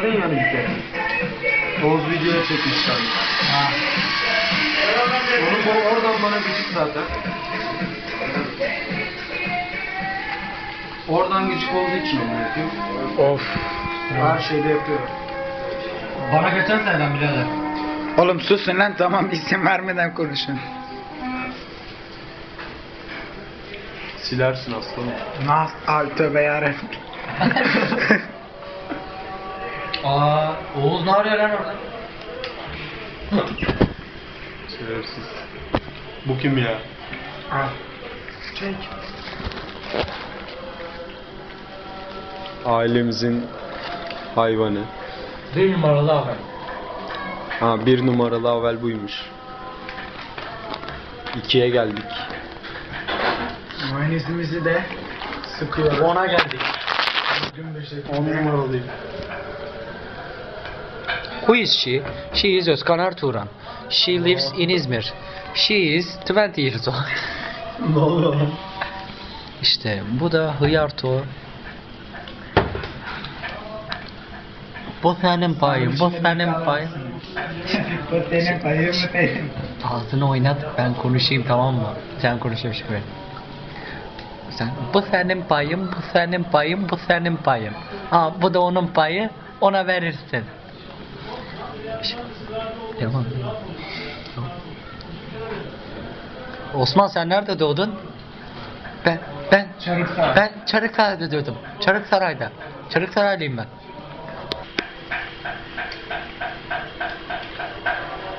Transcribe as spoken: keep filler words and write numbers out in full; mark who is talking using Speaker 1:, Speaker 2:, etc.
Speaker 1: Yani bir kere. Oğuz videoya çekmişler.
Speaker 2: Ha.
Speaker 1: Onu bu oradan bana gıcık zaten. Oradan gıcık olduğu için onu yapıyor.
Speaker 3: Of.
Speaker 1: Her şeyde yapıyor.
Speaker 2: Bana geçen seneden birader.
Speaker 3: Oğlum susun lan, tamam, isim vermeden konuşun.
Speaker 1: Silersin aslanım.
Speaker 3: Nah, ay tövbe yarabbim.
Speaker 2: Aa, Oğuz ne arıyor lan orada?
Speaker 1: Şerefsiz. Bu kim ya?
Speaker 3: Al.
Speaker 1: Çek. Ailemizin hayvanı.
Speaker 2: Bir numaralı abi.
Speaker 1: Ha, bir numaralı avel buymuş. İkiye geldik.
Speaker 3: Mayonezimizi de sıkıyoruz.
Speaker 2: Ona geldik.
Speaker 3: Düzgün bir şekilde.
Speaker 1: On numaralıyım.
Speaker 4: Who is she? She is Özkan Arturan. She lives in İzmir. She is twenty years old.
Speaker 1: Ne oluyor lan?
Speaker 4: İşte bu da Hıyarto. Bu senin payın, bu senin payın.
Speaker 3: Bu senin payın mı benim?
Speaker 4: Ağzını oynat, ben konuşayım, tamam mı? Sen konuşuyormuş gibi. Sen, bu senin payın, bu senin payın, bu senin payın. Ha, bu da onun payı, ona verirsin. Tamam. Osman, sen nerede doğdun? Ben, ben,
Speaker 3: Çarıksaray.
Speaker 4: ben Çarıksaray'da doğdum. Çarıksaray'da. Çarıksaraylıyım ben.